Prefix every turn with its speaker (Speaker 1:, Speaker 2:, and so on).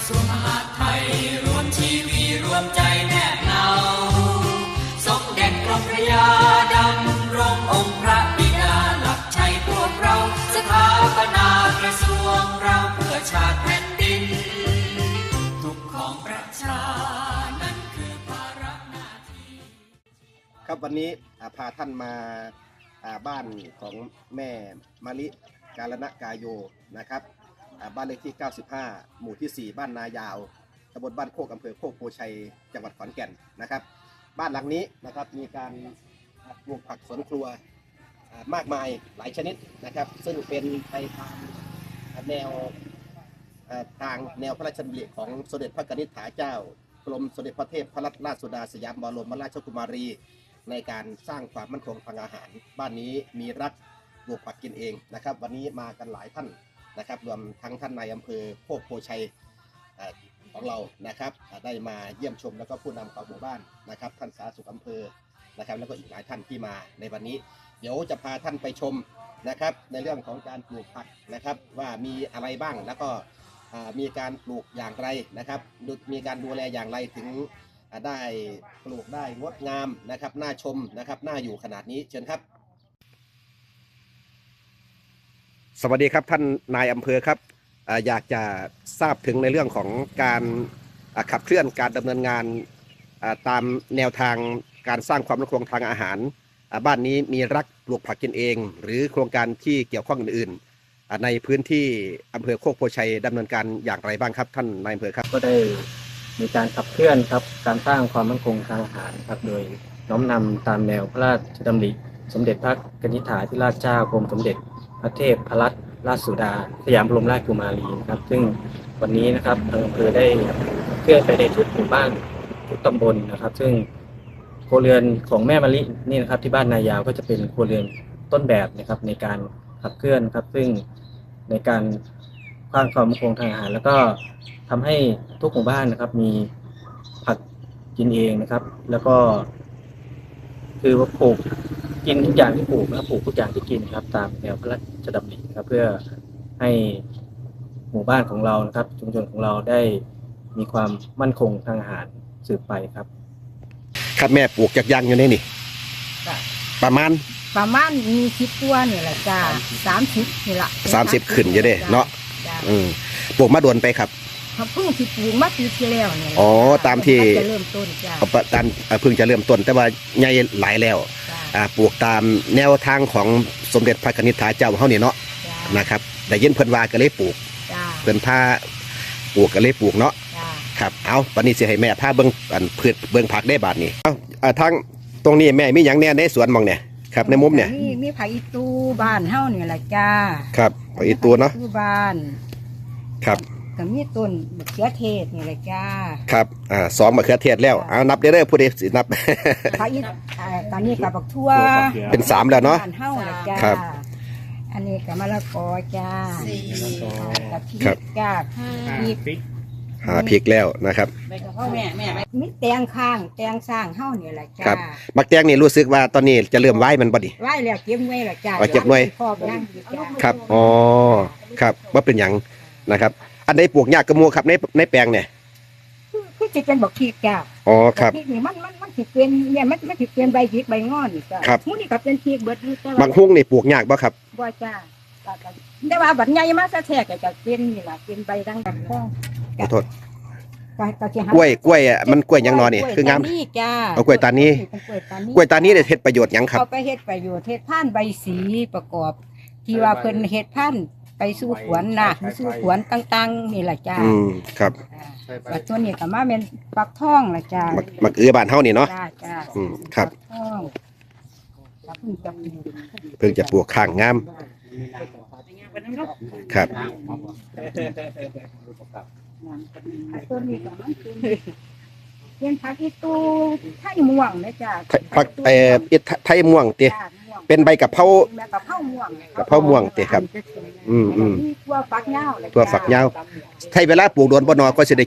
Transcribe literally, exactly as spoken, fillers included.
Speaker 1: ทรวงมหาดไทยรวมชีวีรวมใจแนบเนาสมเด็จกรมพระยาดำรงองค์พระบิดาหลักชัยพวกเราสถาปนากระทรวงเราเพื่อชาติแผ่นดินทุกของประชานั้นคือภาระหน้าที่
Speaker 2: ครับวันนี้พาท่านมาบ้านของแม่มะลิกาลนะกาโยนะครับบ้านเลขที่เก้าสิบห้าหมู่ที่สี่บ้านนายาวตำบลบ้านโคกอำเภอโคกโพชัยจังหวัดขอนแก่นนะครับบ้านหลังนี้นะครับมีการปลูกผักสวนครัวมากมายหลายชนิดนะครับซึ่งเป็นไปตามแนวทางแนวพระราชดำริของสมเด็จพระนิธิถาเจ้ากรมสมเด็จพระเทพรัตนราชสุดาสยามบรมราชกุมารีในการสร้างความมั่นคงทางอาหารบ้านนี้มีรักปลูกผักกินเองนะครับวันนี้มากันหลายท่านนะครับรวมทั้งท่านนายอำเภอโคกโพชัยของเรานะครับได้มาเยี่ยมชมแล้วก็ผู้นำของหมู่บ้านนะครับท่านสาธารณสุขอำเภอนะครับแล้วก็อีกหลายท่านที่มาในวันนี้เดี๋ยวจะพาท่านไปชมนะครับในเรื่องของการปลูกผักนะครับว่ามีอะไรบ้างแล้วก็มีการปลูกอย่างไรนะครับมีการดูแลอย่างไรถึงได้ปลูกได้งดงามนะครับน่าชมนะครับน่าอยู่ขนาดนี้เชิญครับสวัสดีครับท่านนายอำเภอครับอยากจะทราบถึงในเรื่องของการขับเคลื่อนการดำเนินงานตามแนวทางการสร้างความมั่นคงทางอาหารบ้านนี้มีรักปลูกผักกินเองหรือโครงการที่เกี่ยวข้องอื่นๆในพื้นที่อำเภอโคกโพชัยดำเนินการอย่างไรบ้างครับท่านนายอำเภอครับ
Speaker 3: ก็ได้มีการขับเคลื่อนครับการสร้างความมั่นคงทางอาหารครับโดยน้อมนำตามแนวพระราชดำริสมเด็จพระนิธิถาธิราชเจ้ากรมสมเด็จพระเทพรัตนราชสุดาสยามบรมราชกุมารีครับซึ่งวันนี้นะครับอำเภอได้เคลื่อนไปในทุกหมู่บ้านทุกตำบลนะครับซึ่งครัวเรือนของแม่มะลินี่นะครับที่บ้านนายาวก็จะเป็นครัวเรือนต้นแบบนะครับในการขับเคลื่อนครับซึ่งในการสร้างความมั่นคงทางอาหารแล้วก็ทำให้ทุกหมู่บ้านนะครับมีผักกินเองนะครับแล้วก็คือว่าปลูกกินทุกอย่างที่ปลูกนะปลูกทุกอย่างที่กินครับตามแนวพระราชดำริครับเพื่อให้หมู่บ้านของเรานะครับชุมชนของเราได้มีความมั่นคงทางอาหารสืบไปครับ
Speaker 2: ครับแม่ปลูกจากยังอยู่ในนี่ประมาณ
Speaker 4: ประมาณมีสิบตัวนี่แหละจ้าสามสิบนี่แหละ
Speaker 2: สามสิบขึ้นอยู่เด้เนาะอืมปลูกมาด่วนไปครับ
Speaker 4: เพิ่งที่ปลูกมาปีที่แล้วนี่
Speaker 2: อ๋อตามที่
Speaker 4: จะเริ่มต้นจ้า
Speaker 2: ตามเพิ่งจะเริ่มต้นแต่ว่าใหญ่หลายแล้วอ่าปลูกตามแนวทางของสมเด็จพระนิธิถาเจ้าเฮานี่เนาะนะครับได้ยินเพิ่นว่าก็เลยปลูกเพิ่นพาปลูกก็เลยปลูกเนาะครับเอาวันนี้สิให้แม่พาเบิ่งอันพืชเบิ่งผักได้บาดนี้เอ้าทางตรงนี้แม่มีหยังแน่ในสวนมองเนี่ยครับในมุมเนี่ย
Speaker 4: มีมีผักอีตูบ้านเฮานี่แหละจ้า
Speaker 2: ครับผักอีตูเนาะ
Speaker 4: บ้าน
Speaker 2: ครับ
Speaker 4: ก็มีต้นมะเขือเทศนี่แหละจ้า
Speaker 2: ครับอ่าสองมะเขือเทศแล้วเอานับได้เลยผู้ใดสินับ
Speaker 4: ผักอีตอนนี้กับบักทั่ว
Speaker 2: เป็นสามแล้วเนาะ
Speaker 4: บ้านเฮาแหละจ้า
Speaker 2: ครับ
Speaker 4: อันนี้กับมะละกอจ้ากับพริกจ้าพริก
Speaker 2: หาพริกแล้วนะครับ
Speaker 4: มีแตงข้างแตงสร้างเฮานี่แหละจ้า
Speaker 2: ครับบักแตงนี่รู้สึกว่าตอนนี้จะเริ่มไหวมันบ่ดิ
Speaker 4: ไหวแล้วเก็บไว้แล้วจ้า
Speaker 2: เก็บไว้ครับอ๋อครับว่าเป็นหยังนะครับอันใดปลูกยากกระมูครับในในแปลงเนี่ย
Speaker 4: คือจะเป็นบักพริกจ้า
Speaker 2: อ๋อครับ
Speaker 4: พริกนี่มันมันมันสิเป็นเนี่ยมันมันสิเป็นใบพริกใบงอนจ้า
Speaker 2: ครับ
Speaker 4: มื้อนี้ก็เป็นพริกเบิดอยู่แต่
Speaker 2: บางฮุ้งนี่ปลูกยากบ่ครับ
Speaker 4: บ่จ้าแต่ว่าบัดใหญ่มาซะแท้ก็จะเป็นนี่ล่ะเป็นใบดังดังข
Speaker 2: อโทษกล้วยกล้วยอ่ะมันกล้วยยังนอนนี่คืองามเอากล้วยตานี้กล้วยตานี้ได้เฮ็ดประโยชน์หยังครับ
Speaker 4: เอาไปเฮ็ดประโยชน์เฮ็ดพันธุ์ใบสีประกอบที่ว่าเพิ่นเฮ็ดพันธุ์ไปสู่ขวนน่ะสู่ขวนต่างๆนี่ล่ะจ้า
Speaker 2: อืมครับ
Speaker 4: แล้วตัวนี้ก็มาเป็นฟักทองล่ะจ้า
Speaker 2: มักเอื้อบ้านเฮานี่เนาะ
Speaker 4: จ้าจ้า
Speaker 2: อืมครับ
Speaker 4: เพิ่งจะ
Speaker 2: เพิ่งจะปลูกข้างงามครับ
Speaker 4: ตัวนี้ก็มันเป็นผักอีตูไทยม่วงนะจ้า
Speaker 2: ผักเอ่อไทยม่วงติเป็นใบกะเพรากะเพราม่วงกะเพราม่วงติครับอืมอืม
Speaker 4: ทั่วฝักยาว
Speaker 2: ทั่วฝักยาวใช้เวลาปลูกโดนบ่นอก็สิได้